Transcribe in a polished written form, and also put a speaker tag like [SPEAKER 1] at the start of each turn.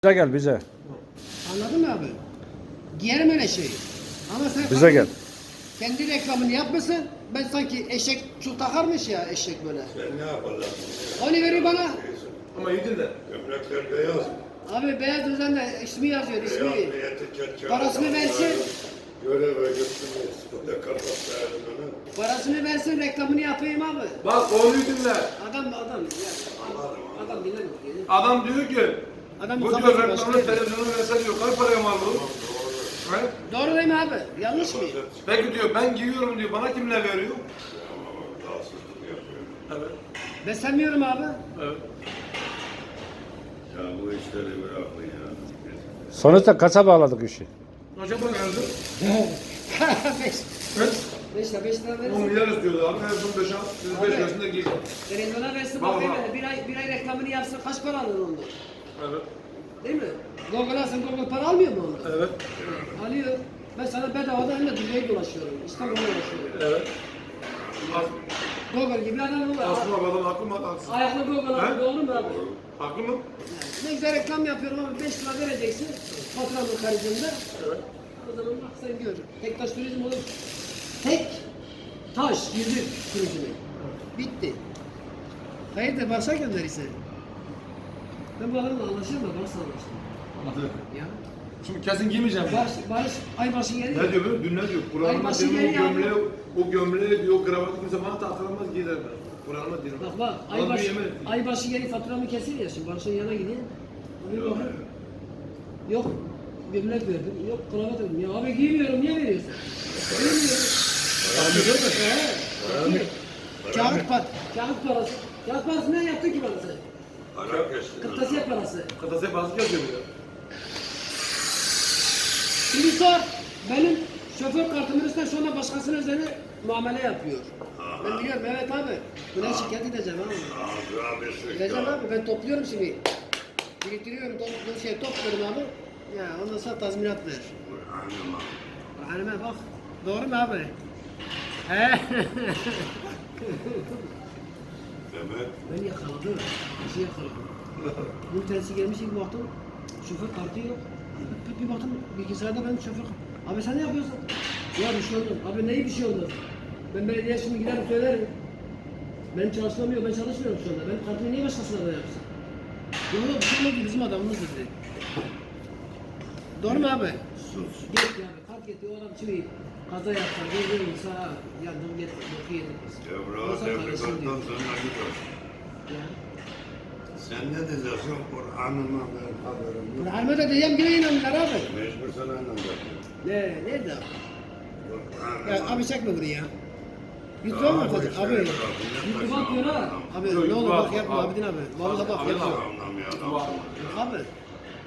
[SPEAKER 1] Bize gel bize.
[SPEAKER 2] Anladın mı abi? Giyerim öyle şeyi. Ama sen
[SPEAKER 1] Bize gel.
[SPEAKER 2] kendi reklamını yapmasın. Ben sanki eşek çul takarmış ya eşek böyle.
[SPEAKER 3] Sen ne yapacaksın?
[SPEAKER 2] Onu verir bana.
[SPEAKER 4] Ama iyi dinle.
[SPEAKER 3] Gömlekler beyaz.
[SPEAKER 2] Abi beyaz üzerinde ismi yazıyor
[SPEAKER 3] Beyaz
[SPEAKER 2] ismi.
[SPEAKER 3] bir etiket.
[SPEAKER 2] Parasını versin.
[SPEAKER 3] Göreve götürmeyiz. Burada kapat ayarını.
[SPEAKER 2] Parasını versin reklamını yapayım abi.
[SPEAKER 4] Bak konuyu dinle.
[SPEAKER 2] Adam ya. Adam dinlemiyor.
[SPEAKER 4] Adam diyor ki
[SPEAKER 2] Adam
[SPEAKER 4] bu diyor
[SPEAKER 2] kafası
[SPEAKER 4] reklamı
[SPEAKER 2] başka.
[SPEAKER 4] televizyonu verse diyor kaç paraya mal bu? He?
[SPEAKER 2] Doğru değil mi abi? Yanlış mı?
[SPEAKER 4] Peki diyor ben giyiyorum diyor bana kimler veriyor?
[SPEAKER 3] Rahatsızlık yapıyor.
[SPEAKER 4] Evet.
[SPEAKER 2] Beslemiyorum abi.
[SPEAKER 4] Evet.
[SPEAKER 3] Ya bu işleri bırakın ya.
[SPEAKER 1] Sonuçta kaça bağladık işi?
[SPEAKER 4] Acaba nerede?
[SPEAKER 2] 5.
[SPEAKER 4] Evet.
[SPEAKER 2] 5 lira 5 lira
[SPEAKER 4] 10
[SPEAKER 2] verirsin.
[SPEAKER 4] milyar istiyordu abi. En son 5 al. Siz 5
[SPEAKER 2] Abi.
[SPEAKER 4] yaşında giy.
[SPEAKER 2] Televizyona versin
[SPEAKER 4] Bak,
[SPEAKER 2] bakayım
[SPEAKER 4] bak.
[SPEAKER 2] hele. Bir ay reklamını yapsın kaç para alır onda?
[SPEAKER 4] Evet.
[SPEAKER 2] Değil mi? Google alsın Google para almıyor mu onda?
[SPEAKER 4] Evet.
[SPEAKER 2] Alıyor. Ben sana bedavadan hem de dünyayı dolaşıyorum. İstanbul'u dolaşıyorum.
[SPEAKER 4] Evet.
[SPEAKER 2] Google gibi adam olur.
[SPEAKER 4] Aslında adam haklı mı haksız?
[SPEAKER 2] Ayaklı Google abi
[SPEAKER 4] He?
[SPEAKER 2] doğru mu abi?
[SPEAKER 4] Haklı mı?
[SPEAKER 2] Ne güzel reklam yapıyorum ama 5 lira vereceksin. Faturanın karşılığında.
[SPEAKER 4] Evet.
[SPEAKER 2] O zaman bak sen gör. Tek taş turizm olur. Tek taş yüzük turizmi. Bitti. Hayırdır başa gönderirse. Ben bu adamla anlaşırım da Barış'la anlaştım.
[SPEAKER 4] Anladım.
[SPEAKER 2] Ya.
[SPEAKER 4] Şimdi kesin giymeyeceğim.
[SPEAKER 2] Barış aybaşı geliyor.
[SPEAKER 4] Ne diyor böyle? Dün ne diyor? Kur'an'ıma
[SPEAKER 2] Aybaşı
[SPEAKER 4] diyor o
[SPEAKER 2] geliyor.
[SPEAKER 4] gömleği, o gömleği diyor kravatı kimse bana tahtalanmaz gider ben. Kur'an'ıma diyorum.
[SPEAKER 2] Bak
[SPEAKER 4] Bana bir yemin etti.
[SPEAKER 2] aybaşı geri faturamı kesin ya şimdi Barış'ın yanına gideyim. Abi bakın. Yok gömlek verdim, yok kravat verdim. Ya abi giymiyorum niye veriyorsun? Giymiyorum. Kağıt parası. Kağıt parası ne yaptı ki bana sen?
[SPEAKER 3] Para kestin.
[SPEAKER 2] Kırtasiye parası.
[SPEAKER 4] Kırtasiye bazı yazıyor ya.
[SPEAKER 2] Şimdi sor. Benim şoför kartımın üstüne şu anda başkasının üzerine muamele yapıyor. Ben biliyorum evet abi. Buna şikayet edeceğim abi.
[SPEAKER 3] Ağzına bir
[SPEAKER 2] Edeceğim
[SPEAKER 3] sıçra.
[SPEAKER 2] abi ben topluyorum şimdi. Biriktiriyorum, topluyorum abi. Ya ondan sonra tazminat ver.
[SPEAKER 3] Anlama.
[SPEAKER 2] Halime bak. Doğru mu abi? He.
[SPEAKER 3] Demek
[SPEAKER 2] Ben yakaladım. Bir şey yakaladım. Bunun tersi gelmiş bir baktım. Şoför kartı yok. Bir baktım bilgisayarda benim şoför abi sen ne yapıyorsun? Ya bir şey oldu. Abi neyi bir şey oldu? Ben belediye şimdi giderim söylerim. Benim çalışmam yok. Ben çalışmıyorum şu anda. Benim kartımı niye başkasına da yapsın? Yok yok bir şey olmadı bizim adamımız dedi. Doğru mu abi?
[SPEAKER 3] sus.
[SPEAKER 2] Git ya. Kart getir. O adam şimdi kaza yapar. Gözlerim sağa yandım git. Boku yedim.
[SPEAKER 3] Devra tebrikattan sana gidiyor.
[SPEAKER 2] Ya.
[SPEAKER 3] Sen ne diyeceksin? Kur'an'ıma ben haberim yok.
[SPEAKER 2] Kur'an'ıma da diyeceğim yine inanırlar abi.
[SPEAKER 3] Mecbur sana inanacaksın.
[SPEAKER 2] Nerede abi?
[SPEAKER 3] Kur'an'ıma.
[SPEAKER 2] Ya, abi çekme bunu ya. YouTube'a mı atacak? Abi. YouTube'a atıyor ha. Abi ne olur bak yapma abidin abi. Vallahi bak yapma.
[SPEAKER 3] Anlamıyor adamsın.
[SPEAKER 2] Abi.